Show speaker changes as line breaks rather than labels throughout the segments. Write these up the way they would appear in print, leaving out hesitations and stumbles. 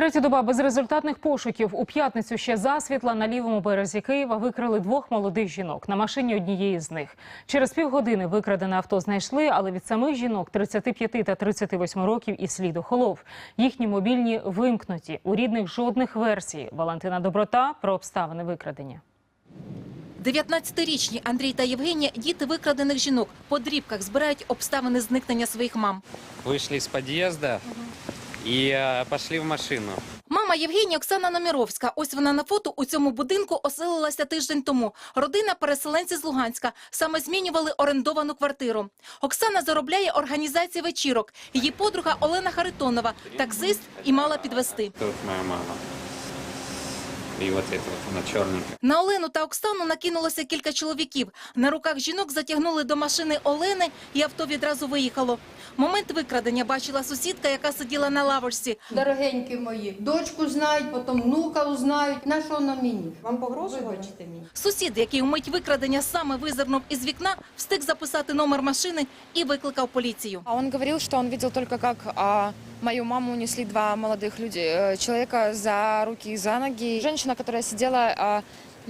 Третя доба безрезультатних пошуків. У п'ятницю ще засвітла на лівому березі Києва викрали двох молодих жінок. На машині однієї з них. Через півгодини викрадене авто знайшли, але від самих жінок 35 та 38 років і слід охолов. Їхні мобільні вимкнуті. У рідних жодних версій. Валентина Доброта про обставини викрадення.
19-річні Андрій та Євгенія – діти викрадених жінок. По дрібках збирають обставини зникнення своїх мам.
Вийшли з під'їзду і пішли в машину.
Мама Євгенії – Оксана Номіровська. Ось вона на фото у цьому будинку оселилася тиждень тому. Родина – переселенці з Луганська. Саме змінювали орендовану квартиру. Оксана заробляє організації вечірок. Її подруга Олена Харитонова – таксист і мала підвезти.
Тут моя мама. І от це вона чорненька.
На Олену та Оксану накинулося кілька чоловіків. На руках жінок затягнули до машини Олени, і авто відразу виїхало. Момент викрадення бачила сусідка, яка сиділа на лавочці.
Дорогенькі мої, дочку знають, потім внука узнають. На що на мені?
Вам погрожували?
Вибачте мені.
Сусід, який у мить викрадення саме визирнув із вікна, встиг записати номер машини і викликав поліцію.
Он говорил, что он видел только, как мою маму унесли два молодых человека за руки и за ноги. Женщина, которая сидела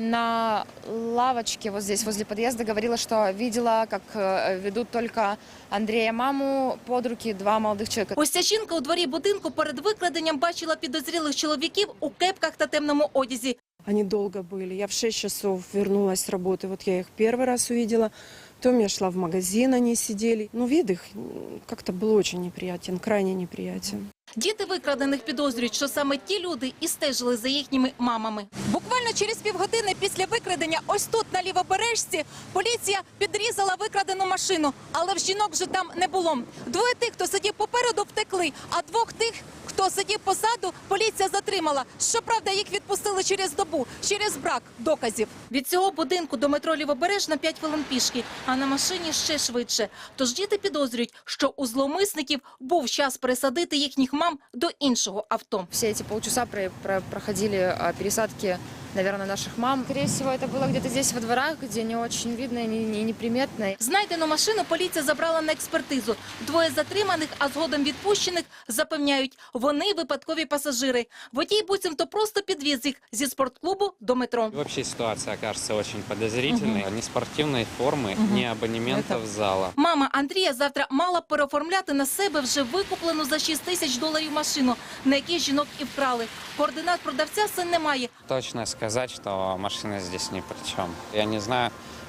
на лавочке вот здесь, возле подъезда, говорила, что видела, как ведут только Андрея маму под руки два молодых человека.
Ось ця жінка у дворі будинку перед викраденням бачила підозрілих чоловіків у кепках та темному одязі.
Они долго были. Я в 6 часов вернулась с работы. Вот я их первый раз увидела. Потом я шла в магазин, они сидели. Ну, вид их как-то был очень неприятен, крайне неприятен.
Діти викрадених підозрюють, що саме ті люди і стежили за їхніми мамами. Буквально через півгодини після викрадення ось тут, на Лівобережці, поліція підрізала викрадену машину. Але в жінок вже там не було. Двоє тих, хто сидів попереду, втекли, а двох тих, хто сидів позаду, поліція затримала. Щоправда, їх відпустили через добу, через брак доказів. Від цього будинку до метро Лівобережна 5 хвилин пішки, а на машині ще швидше. Тож діти підозрюють, що у зловмисників був час пересадити їхніх мам до іншого авто.
Все эти полчаса проходили пересадки, наверное, наших мам. Скорее всего, это было где-то здесь во дворах, где не очень видно и неприметно.
Знайдену машину поліція забрала на експертизу. Двоє затриманих, а згодом відпущених, запевняють, вони випадкові пасажири. Водій буцімто просто підвіз їх зі спортклубу до метро.
Вообще ситуация кажется очень подозрительной. Ни спортивной формы, ни абонементов зала.
Мама Андрія завтра мала переоформляти на себе вже викуплену за $6 тисяч машину, на якій жінок і вкрали. Координат продавця син не має.
Точно сказать, что машина здесь ни при чем. Я не знаю,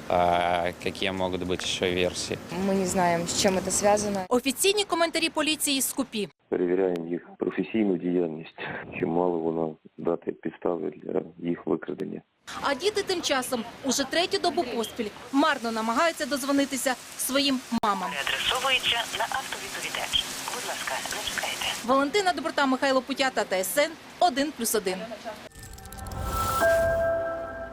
какие могут быть еще версии.
Мы не знаем, с чем это связано.
Офіційні коментарі поліції скупі.
Перевіряємо їх професійну діяльність, чи мало воно дати підстави для їх викрадення.
А діти тим часом уже третю добу поспіль марно намагаються дозвонитися своїм мамам.
Переадресовується на автовідповідач. Будь ласка, не чекайте.
Валентина Доброта, Михайло Путята, ТСН 1+1.